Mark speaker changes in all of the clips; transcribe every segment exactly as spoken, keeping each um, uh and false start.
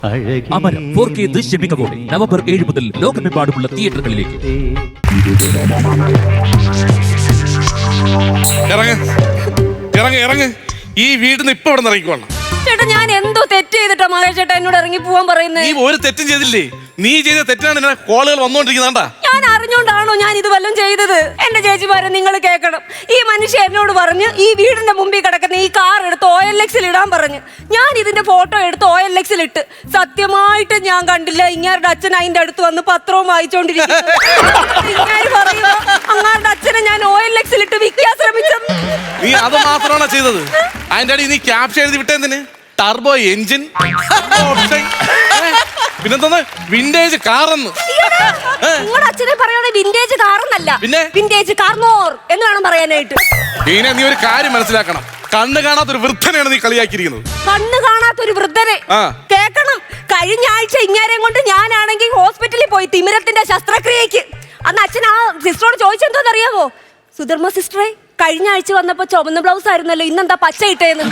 Speaker 1: അമരം four K ദൃശ്യമികവോടെ November ഏഴ് മുതൽ ലോകമെമ്പാടുമുള്ള തിയേറ്ററുകളിലേക്ക്.
Speaker 2: ഇറങ്ങ് ഇറങ്ങ് ഇറങ്ങ് ഈ വീടിന്ന് ഇപ്പൊ ഇവിടെ ഇറങ്ങിക്കോളാം.
Speaker 3: ചേട്ടാ ഞാൻ എന്തോ തെറ്റ് ചെയ്തിട്ടാ മഹേഷ് ചേട്ടാ എന്നോട് ഇറങ്ങി പോവാൻ പറയുന്നത്?
Speaker 2: നീ ഒരു തെറ്റും ചെയ്തില്ലേ? നീ ചെയ്ത തെറ്റാണ് എന്നെ കോളുകൾ വന്നോണ്ടിരിക്കുന്നാണ്ടാ.
Speaker 3: ഞാൻ അറിഞ്ഞോണ്ടാണോ ഞാൻ ഇത് വല്ലതും ചെയ്തത്? എന്റെ ചേച്ചിമാരെ നിങ്ങൾ കേൾക്കണം. ഈ മനുഷ്യൻ എന്നോട് പറഞ്ഞ് ഈ വീടിന്റെ മുമ്പിൽ കിടക്കുന്ന ഈ കാർ എടുത്ത് ഒ എൽ എക്സിൽ ഇടാൻ പറഞ്ഞു. ഞാൻ ഇതിന്റെ ഫോട്ടോ എടുത്ത് ഒ എൽ എക്സിൽ ഇട്ട്. സത്യമായിട്ട് ഞാൻ കണ്ടില്ല ഇങ്ങാരുടെ അച്ഛൻ അതിന്റെ അടുത്ത് വന്ന് പത്രവും വായിച്ചോണ്ടിരിക്കുന്നു. അങ്ങാരുടെ അച്ഛനെ ഞാൻ ഒ എൽ എക്സിൽ ഇട്ട് വിൽക്കാൻ ശ്രമിച്ചത്.
Speaker 2: നീ അത് മാത്രമാണോ ചെയ്തത്? അതിന്റെ അടി നീ ക്യാപ്ഷൻ എഴുതി വിട്ടേന്തിന്? ടർബോ എഞ്ചിൻ, പിന്നെന്താ വിന്റേജ് കാറെന്ന്.
Speaker 3: നിങ്ങളുടെ അച്ഛനെ പറയണ വിന്റേജ് കാറെന്നല്ല,
Speaker 2: പിന്നെ
Speaker 3: വിന്റേജ് കാർമോർ എന്ന് വേണം പറയാനായിട്ട്.
Speaker 2: പിന്നെ നീ ഒരു കാര്യം മനസ്സിലാക്കണം, കണ്ണ് കാണാത്തൊരു വൃദ്ധനെയാണ് നീ കളിയാക്കിയിരിക്കുന്നത്.
Speaker 3: കണ്ണ് കാണാത്തൊരു വൃദ്ധനെ കേക്കണം. കഴിഞ്ഞ ആഴ്ച ഇങ്ങേരെയും കൊണ്ട് ഞാനാണെങ്കിൽ ഹോസ്പിറ്റലിൽ പോയി തിമിരത്തിന്റെ ശസ്ത്രക്രിയക്ക്. അന്ന് അച്ഛൻ ആ സിസ്റ്ററോട് ചോദിച്ചെന്തോന്നറിയാവോ? സുധർമ്മ സിസ്റ്ററെ, കഴിഞ്ഞ ആഴ്ച വന്നപ്പോ ചുവന്ന ബ്ലൗസ് ആയിരുന്നല്ലോ, ഇന്നെന്താ പച്ച ഇട്ടേന്ന്.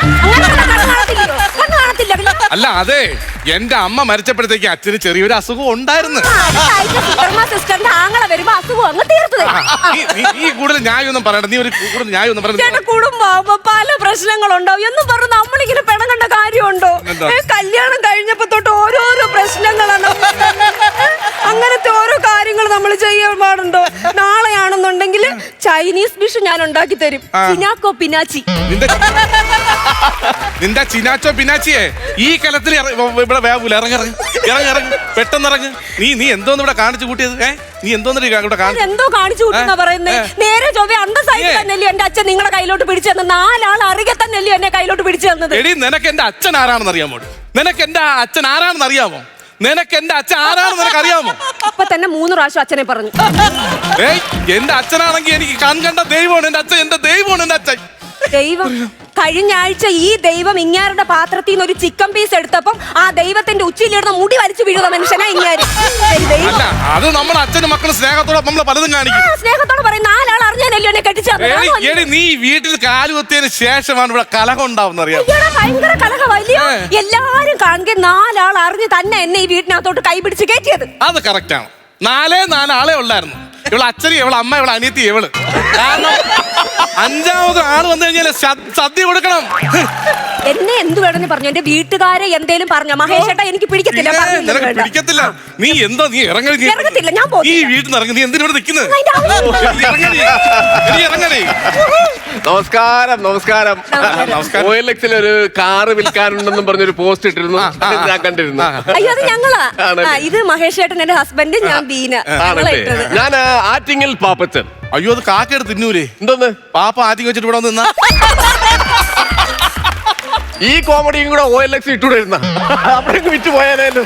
Speaker 2: അല്ല അതെ, എന്റെ അമ്മ മരിച്ചപ്പോഴത്തേക്ക് അച്ഛന് ചെറിയൊരു അസുഖം ഉണ്ടായിരുന്നു.
Speaker 3: സിസ്റ്ററിന്റെ ആങ്ങളെ വരുമ്പോ അസുഖം അങ്ങ് തീർത്തു.
Speaker 2: ഈ കൂടുതൽ ന്യായമൊന്നും പറയണ്ട, നീ ഒരു കൂടുതൽ ന്യായമൊന്നും പറയണ്ട.
Speaker 3: കുടുംബമാകുമ്പോ പല പ്രശ്നങ്ങളുണ്ടാവും എന്നും പറഞ്ഞ് നമ്മളിങ്ങനെ പിണങ്ങേണ്ട കാര്യമുണ്ടോ? കല്യാണം കഴിഞ്ഞപ്പോ തൊട്ട് ഓരോരോ പ്രശ്നങ്ങളാണ്. അങ്ങനത്തെ ഓരോ കാര്യങ്ങൾ നമ്മൾ ചെയ്യാൻ പാടുണ്ടോ? നാളെയാണെന്നുണ്ടെങ്കിൽ ചൈനീസ് ഡിഷ് ഞാൻ ഉണ്ടാക്കി തരും. ചിനാക്കോ പിനാച്ചി.
Speaker 2: നിന്റെ ചിനാച്ചോ പിനാച്ചിയെ ഈ കലത്തിൽ ഇവിടെ വേവൂല. ഇറങ്ങി ഇറങ്ങി ഇറങ്ങി ഇറങ്ങി പെട്ടെന്ന് ഇറങ്ങ്. നീ നീ എന്തോന്ന് ഇവിടെ കാണിച്ചു കൂട്ടിയത്? ഏഹ് നീ എന്തോന്ന് ഇവിടെ
Speaker 3: എന്തോ കാണിച്ചു കൂട്ടുന്ന പറയുന്നത്? നേരെ ചൊവ്വ അന്തസ്സായിട്ട് തന്നെയല്ലോ എന്റെ അച്ഛൻ നിങ്ങളെ കയ്യിലോട്ട് പിടിച്ചു തന്നത്. നാലാൾ അറിയ തന്നെയല്ലോ എന്നെ കയ്യിലോട്ട് പിടിച്ചു തന്നത്.
Speaker 2: എടി, നിനക്ക് എന്റെ അച്ഛൻ ആരാണെന്ന് അറിയാമോ? നിനക്ക് എന്റെ അച്ഛൻ ആരാണെന്ന് അറിയാമോ? നിനക്ക് എന്റെ അച്ഛൻ ആരാണെന്ന് നിനക്ക് അറിയാമോ?
Speaker 3: അപ്പൊ തന്നെ മൂന്ന് പ്രാവശ്യം അച്ഛനെ പറഞ്ഞു.
Speaker 2: ഏയ് എന്റെ അച്ഛനാണെങ്കിൽ എനിക്ക് കൺകണ്ട ദൈവമാണ് എന്റെ അച്ഛൻ. എന്റെ ദൈവമാണ് എന്റെ അച്ഛൻ.
Speaker 3: ദൈവം? കഴിഞ്ഞ ആഴ്ച ഈ ദൈവം ഇങ്ങാരുടെ പാത്രത്തിൽ നിന്ന് ഒരു ചിക്കൻ പീസ് എടുത്തപ്പം ആ ദൈവത്തിന്റെ ഉച്ചയിലിടുന്ന മുടി വലിച്ചു വീഴുന്ന മനുഷ്യനാ ഇങ്ങാര്.
Speaker 2: അല്ല, അത് നമ്മുടെ അച്ഛനും മക്കളും സ്നേഹത്തോടെ നമ്മള് പലതും കാണിക്കും.
Speaker 3: സ്നേഹത്തോടെ പറയും നാലാൾ അറിഞ്ഞാലല്ലോ എന്നെ കെട്ടിച്ചത്.
Speaker 2: നീ വീട്ടിൽ കാലുകുത്തിയതിന് ശേഷമാണ് ഇവിടെ കലഹം ഉണ്ടാവുന്ന അറിയാം.
Speaker 3: ഭയങ്കര കലഹമല്ലയോ? എല്ലാരും കാണുക നാലാൾ അറിഞ്ഞ് തന്നെ എന്നെ ഈ വീട്ടിനകത്തോട്ട് കൈപിടിച്ച് കയറ്റിയത്.
Speaker 2: അത് കറക്റ്റ് ആണ്. നാലേ നാലാളെ ഉള്ളായിരുന്നു. ഇവളെ അച്ഛനും ഇവളെ അമ്മ ഇവളെ അനിയത്തി ഇവള്. കാരണം അഞ്ചാമത് ആള് വന്നു കഴിഞ്ഞാൽ സദ്യ കൊടുക്കണം.
Speaker 3: എന്നെ എന്ത് വേണമെന്ന് പറഞ്ഞു. എന്റെ വീട്ടുകാരെ എന്തേലും പറഞ്ഞ മഹേഷേട്ടാ എനിക്ക് പിടിക്കത്തില്ല.
Speaker 2: പിടിക്കത്തില്ല. നീ എന്തോ നീ ഇറങ്ങി.
Speaker 3: ഇറങ്ങത്തില്ല, ഞാൻ
Speaker 2: ഈ വീട്ടിൽ നിന്ന് ഇറങ്ങി. നീ എന്തിനോട് നിൽക്കുന്നത്? ഇറങ്ങണേ.
Speaker 4: നമസ്കാരം. നമസ്കാരം. ഒ എൽ എക്സിൽ ഒരു കാറ് വിൽക്കാനുണ്ടെന്നും പറഞ്ഞൊരു പോസ്റ്റ് ഇട്ടിരുന്നു, ഞാൻ കണ്ടിരുന്നു.
Speaker 3: അയ്യോ, അത് ഞങ്ങളാ. ഇത് മഹേഷേട്ടൻ എന്റെ ഹസ്ബൻഡ്, ഞാൻ ബീന.
Speaker 4: ഞാൻ ആറ്റിങ്ങൽ പാപ്പച്ചൻ.
Speaker 2: അയ്യോ, അത് കാക്കെടുത്ത് തിന്നൂലേ?
Speaker 4: എന്തോന്ന്
Speaker 2: പാപ്പ ആറ്റിങ് വെച്ചിട്ട് ഇവിടെ നിന്നാ
Speaker 4: ഈ കോമഡിയും കൂടെ ഒ എൽ എക്സ് ഇട്ടുകൊണ്ടിരുന്ന അപ്പോഴേക്ക് വിറ്റ് പോയാലും.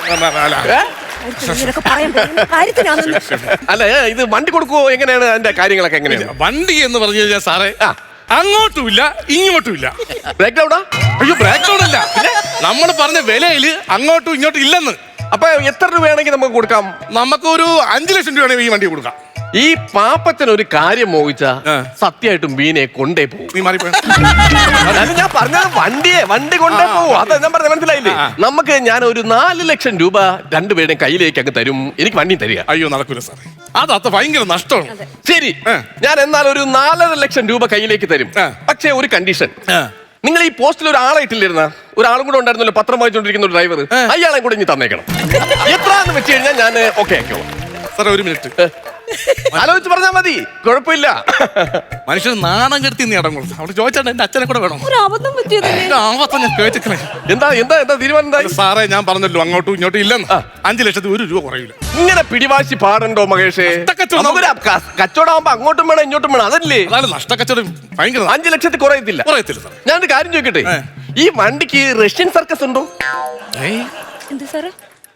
Speaker 4: അല്ല, ഇത് വണ്ടി കൊടുക്കുവോ? എങ്ങനെയാണ് അതിന്റെ കാര്യങ്ങളൊക്കെ? എങ്ങനെയാണ്
Speaker 2: വണ്ടി എന്ന് പറഞ്ഞു കഴിഞ്ഞാൽ സാറേ, അങ്ങോട്ടുമില്ല ഇങ്ങോട്ടുമില്ല.
Speaker 4: ബ്രേക്ക് ഡൗണാ?
Speaker 2: അയ്യോ, ബ്രേക്ക് ഡൗൺ അല്ല. നമ്മൾ പറഞ്ഞ വിലയില് അങ്ങോട്ടും ഇങ്ങോട്ടും ഇല്ലെന്ന്.
Speaker 4: അപ്പൊ എത്ര രൂപയാണെങ്കിൽ നമുക്ക് കൊടുക്കാം?
Speaker 2: നമുക്കൊരു അഞ്ചു ലക്ഷം രൂപയാണെങ്കിൽ ഈ വണ്ടി കൊടുക്കാം.
Speaker 4: ഈ പാപ്പച്ചൻ ഒരു കാര്യം മോഹിച്ച സത്യമായിട്ടും ബീനെ കൊണ്ടേ പോകും.
Speaker 2: നീ മാറിപ്പോ.
Speaker 4: ഞാൻ പറഞ്ഞത് വണ്ടിയെ വണ്ടി കൊണ്ടേ പോകും. അത് ഞാൻ പറഞ്ഞ മനസ്സിലായില്ലേ? നമുക്ക് ഞാൻ ഒരു നാല് ലക്ഷം രൂപ രണ്ടുപേരുടെയും കയ്യിലേക്ക് അങ്ങ് തരും. എനിക്ക് വണ്ടി തരിക.
Speaker 2: അയ്യോ, നടക്കൂല സാർ. അത് അത്ര ഭയങ്കര നഷ്ടമാണ്.
Speaker 4: ശരി, ഞാൻ എന്നാൽ ഒരു നാലര ലക്ഷം രൂപ കയ്യിലേക്ക് തരും. പക്ഷേ ഒരു കണ്ടീഷൻ. നിങ്ങൾ ഈ പോസ്റ്റിൽ ഒരു ആളെ ഇട്ടില്ലിരുന്ന ഒരാളും കൂടെ ഉണ്ടായിരുന്നല്ലോ, പത്രം വായിച്ചോണ്ടിരിക്കുന്ന ഒരു ഡ്രൈവർ. അയാളെ കൂടെ ഇനി തന്നേക്കണം. എത്രയാണെന്ന് വെച്ച് കഴിഞ്ഞാൽ ഞാൻ ഓക്കെ ആക്കിയോളാം.
Speaker 2: സാറേ, ഒരു മിനിറ്റ്
Speaker 4: ആലോചിച്ച് പറഞ്ഞാൽ മതി, കുഴപ്പമില്ല.
Speaker 2: മനുഷ്യൻ നാണം കെടുത്തി നീ അടങ്ങുള്ളൂ. അവിടെ ചോദിച്ചാൽ എന്റെ അച്ഛനെ കൂടെ വേണം.
Speaker 4: എന്താ എന്താ എന്താ തീരുമാനം?
Speaker 2: സാറേ, ഞാൻ പറഞ്ഞല്ലോ അങ്ങോട്ടും ഇങ്ങോട്ടും ഇല്ലെന്ന്. അഞ്ചു ലക്ഷത്തി ഒരു രൂപ കുറയില്ല.
Speaker 4: ഇങ്ങനെ പിടിവാശി പാടുണ്ടോ മഹേഷേ? കച്ചവടമാകുമ്പോ അങ്ങോട്ടും വേണം ഇങ്ങോട്ടും വേണം, അതല്ലേ?
Speaker 2: അതാണ് നഷ്ടക്കച്ചവടം ഭയങ്കര.
Speaker 4: അഞ്ചു ലക്ഷത്തിൽ കുറയത്തില്ല.
Speaker 2: കുറയത്തില്ല.
Speaker 4: ഞാനൊരു കാര്യം ചോദിക്കട്ടെ, ഈ വണ്ടിക്ക് റഷ്യൻ സർക്കസ് ഉണ്ടോ?
Speaker 3: എന്താ സാറേ?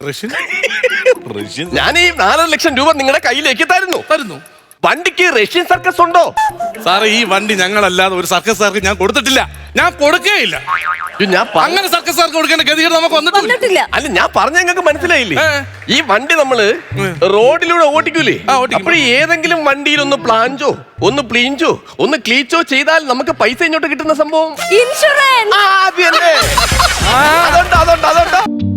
Speaker 4: ഞാൻ ഈ നാലര ലക്ഷം രൂപ നിങ്ങളുടെ കയ്യിലേക്ക് തരുന്നു
Speaker 2: തരുന്നു
Speaker 4: വണ്ടിക്ക് റഷ്യൻ സർക്കസ് ഉണ്ടോ?
Speaker 2: സാറേ, ഈ വണ്ടി ഞങ്ങളല്ലാതെ ഒരു സർക്കസുകാർക്ക് ഞാൻ കൊടുത്തിട്ടില്ല. ഞാൻ കൊടുക്കേയില്ല.
Speaker 4: ഞാൻ
Speaker 2: അങ്ങനെ സർക്കസുകാർക്ക് കൊടുക്കേണ്ട ഗതികേട് നമുക്ക് വന്നിട്ടില്ല.
Speaker 4: അല്ല, ഞാൻ പറഞ്ഞ നിങ്ങൾക്ക് മനസ്സിലായില്ലേ? ഈ വണ്ടി നമ്മള് റോഡിലൂടെ ഓടിക്കൂലേ? അപ്പോൾ ഏതെങ്കിലും വണ്ടിയിൽ ഒന്ന് പ്ലാഞ്ചോ ഒന്ന് പ്ലീഞ്ചോ ഒന്ന് ക്ലീച്ചോ ചെയ്താൽ നമുക്ക് പൈസ ഇങ്ങോട്ട് കിട്ടുന്ന സംഭവം
Speaker 3: ഇൻഷുറൻസ്.
Speaker 4: അതുണ്ടോ അതുണ്ടോ അതുണ്ടോ